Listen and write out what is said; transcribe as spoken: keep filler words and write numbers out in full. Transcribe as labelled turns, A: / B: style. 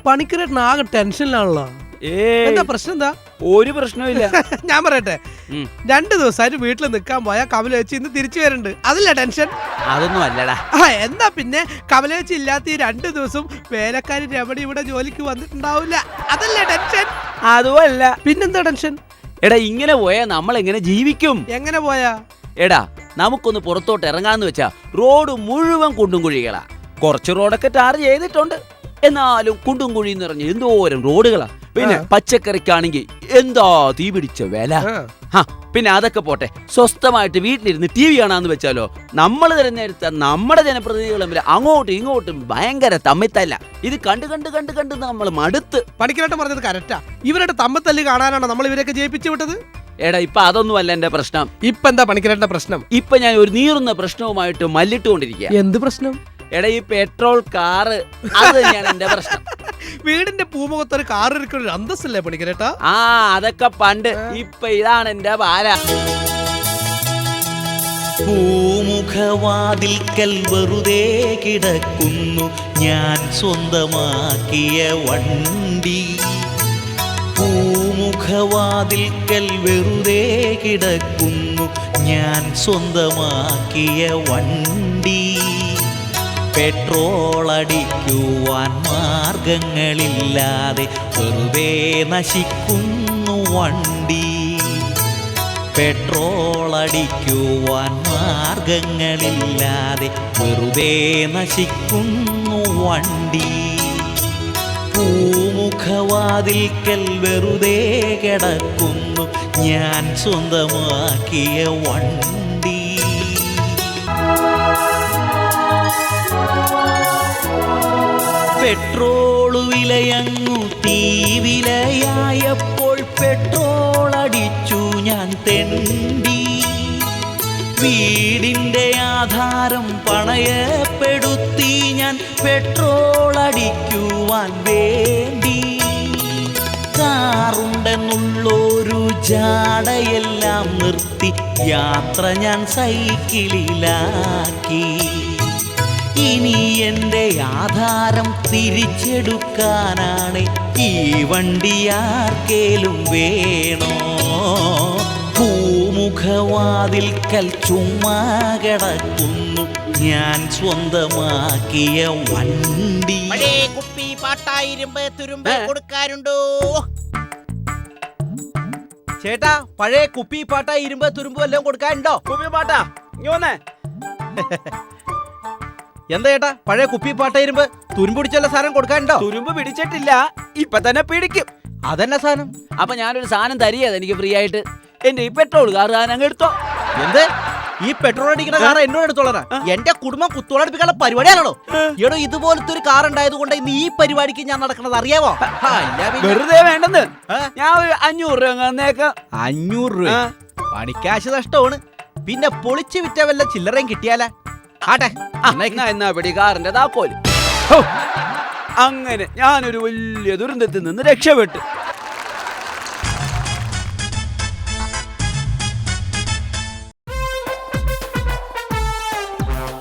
A: പണിക്കരേട്ടൻ ആകെ ടെൻഷനിലാണല്ലോ. എന്താ പ്രശ്നം? എന്താ?
B: ഒരു പ്രശ്നമില്ല.
A: ഞാൻ പറയട്ടെ, രണ്ടു ദിവസമായിട്ട് വീട്ടിൽ നിൽക്കാൻ പോയാ കമലേച്ചി ഇന്ന് തിരിച്ചു വരുന്നുണ്ട്. അതല്ലേ ടെൻഷൻ?
B: അതൊന്നും അല്ലടാ.
A: ആ എന്നാ പിന്നെ കമലേച്ചി ഇല്ലാത്ത ഈ രണ്ടു ദിവസം വേലക്കാരി രമണി ഇവിടെ ജോലിക്ക് വന്നിട്ടുണ്ടാവില്ല. അതല്ലേ ടെൻഷൻ?
B: അതുമല്ല.
A: പിന്നെന്താ ടെൻഷൻ?
B: എടാ ഇങ്ങനെ പോയാ നമ്മൾ എങ്ങനെ ജീവിക്കും?
A: എങ്ങനെ പോയാ?
B: എടാ നമുക്കൊന്ന് പുറത്തോട്ട് ഇറങ്ങാന്ന് വെച്ചാ റോഡ് മുഴുവൻ കുണ്ടും കുഴികളാ. കുറച്ച് റോഡൊക്കെ ടാർ ചെയ്തിട്ടുണ്ട്, എന്നാലും കുണ്ടും കുഴി നിറഞ്ഞ് എന്തോരം റോഡുകളാ. പിന്നെ പച്ചക്കറിക്കാണെങ്കിൽ എന്താ തീ പിടിച്ച വില. പിന്നെ അതൊക്കെ പോട്ടെ, സ്വസ്ഥമായിട്ട് വീട്ടിലിരുന്ന് ടി വി കാണാന്ന് വെച്ചാലോ നമ്മൾ തിരഞ്ഞെടുത്ത നമ്മുടെ ജനപ്രതിനിധികൾ തമ്മിൽ അങ്ങോട്ടും ഇങ്ങോട്ടും ഭയങ്കര തമ്മിത്തല്ല. ഇത് കണ്ട് കണ്ട് കണ്ട് കണ്ട് നമ്മൾ മടുത്ത്.
A: പണിക്കരേട്ടൻ പറഞ്ഞത് കറക്റ്റാ. ഇവരുടെ തമ്മിത്തല്ല് കാണാനാണോ നമ്മൾ ഇവരൊക്കെ ജയിപ്പിച്ചു വിട്ടത്?
B: എടാ ഇപ്പൊ അതൊന്നും അല്ല എന്റെ പ്രശ്നം.
A: ഇപ്പൊ എന്താ പണിക്കരേട്ടന്റെ പ്രശ്നം?
B: ഇപ്പൊ ഞാൻ ഒരു നീറുന്ന പ്രശ്നവുമായിട്ട് മല്ലിട്ടുകൊണ്ടിരിക്കുക.
A: എന്ത് പ്രശ്നം?
B: എടാ ഈ പെട്രോൾ കാറ്, അത് തന്നെയാണ് എന്റെ പ്രശ്നം.
A: വീടിന്റെ പൂമുഖത്തൊരു കാർ ഇരിക്കുന്ന അന്തസ്സല്ലേ പണിക്കരേട്ടാ?
B: ആ അതൊക്കെ പണ്ട്. ഇപ്പൊ ഇതാണ് എന്റെ പാല.
C: പൂമുഖവാതിൽക്കൽ വെറുതെ കിടക്കുന്നു ഞാൻ സ്വന്തമാക്കിയ വണ്ടി. പൂമുഖവാതിൽക്കൽ വെറുതെ കിടക്കുന്നു ഞാൻ സ്വന്തമാക്കിയ വണ്ടി. പെട്രോൾ അടിക്കുവാൻ മാർഗങ്ങളില്ലാതെ വെറുതെ നശിക്കുന്നു വണ്ടി. പെട്രോൾ അടിക്കുവാൻ മാർഗങ്ങളില്ലാതെ വെറുതെ നശിക്കുന്നു വണ്ടി. പൂമുഖവാതിൽക്കൽ വെറുതെ കിടക്കുന്നു ഞാൻ സ്വന്തമാക്കിയ വണ്ടി. പെട്രോൾ വിലയങ്ങു തീ വിലയായപ്പോൾ പെട്രോൾ അടിച്ചു ഞാൻ തെണ്ടി. വീടിൻ്റെ ആധാരം പണയപ്പെടുത്തി ഞാൻ പെട്രോൾ അടിക്കുവാൻ വേണ്ടി. കാറുണ്ടെന്നുള്ളൊരു ജാടയെല്ലാം നിർത്തി യാത്ര ഞാൻ സൈക്കിളിലാക്കി. ഇനി എൻ്റെ ആധാരം തിരിച്ചെടുക്കാനാണ് ഈ വണ്ടി ആർക്കേലും വേണോ? പൂമുഖവാതിൽക്കൽ ചുമ്മാ കിടക്കുന്നു ഞാൻ സ്വന്തമാക്കിയ വണ്ടി.
D: കുപ്പി പാട്ടായിരുമ്പ് തുരുമ്പ് കൊടുക്കാറുണ്ടോ?
B: ചേട്ടാ പഴയ കുപ്പി പാട്ട ഇരുമ്പ് തുരുമ്പ് എല്ലാം കൊടുക്കാനുണ്ടോ? കുപ്പി പാട്ടാ ഇങ്ങോന്നേ.
D: എന്താ ചേട്ടാ പഴയ കുപ്പി പാട്ടായിരുമ്പ് തുരുമ്പ് പിടിച്ചുള്ള സാധനം കൊടുക്കാനുണ്ടോ?
B: തുരുമ്പ് പിടിച്ചിട്ടില്ല, ഇപ്പൊ തന്നെ പിടിക്കും.
D: അതെന്നെ സാധനം?
B: അപ്പൊ ഞാനൊരു സാധനം തരികയത് എനിക്ക് ഫ്രീ ആയിട്ട്. എന്റെ ഈ പെട്രോൾ കാർ അങ്ങ് എടുത്തോ.
D: എന്ത്? ഈ പെട്രോൾ അടിക്കുന്ന കാർ എന്നോട് എടുത്തോളാ? എന്റെ കുടുംബം കുത്തോളടിപ്പിക്കാനുള്ള പരിപാടിയാണോ? എടോ ഇതുപോലത്തെ ഒരു കാർ ഉണ്ടായത് കൊണ്ട് ഇന്ന് ഈ പരിപാടിക്ക് ഞാൻ നടക്കണത് അറിയാവോ?
B: വെറുതെ വേണ്ടെന്ന് ഞാൻ ഒരു അഞ്ഞൂറ് രൂപ തന്നേക്കാം.
D: അഞ്ഞൂറ് രൂപ പണിക്കാശ് നഷ്ടമാണ്. പിന്നെ പൊളിച്ചു വിറ്റ വല്ല ചില്ലറയും കിട്ടിയാലാ? ആട്ടെ
B: എന്നാ പിടി കാറിന്റെ താക്കോല്. അങ്ങനെ ഞാനൊരു വലിയ ദുരന്തത്തിൽ നിന്ന് രക്ഷപ്പെട്ടു.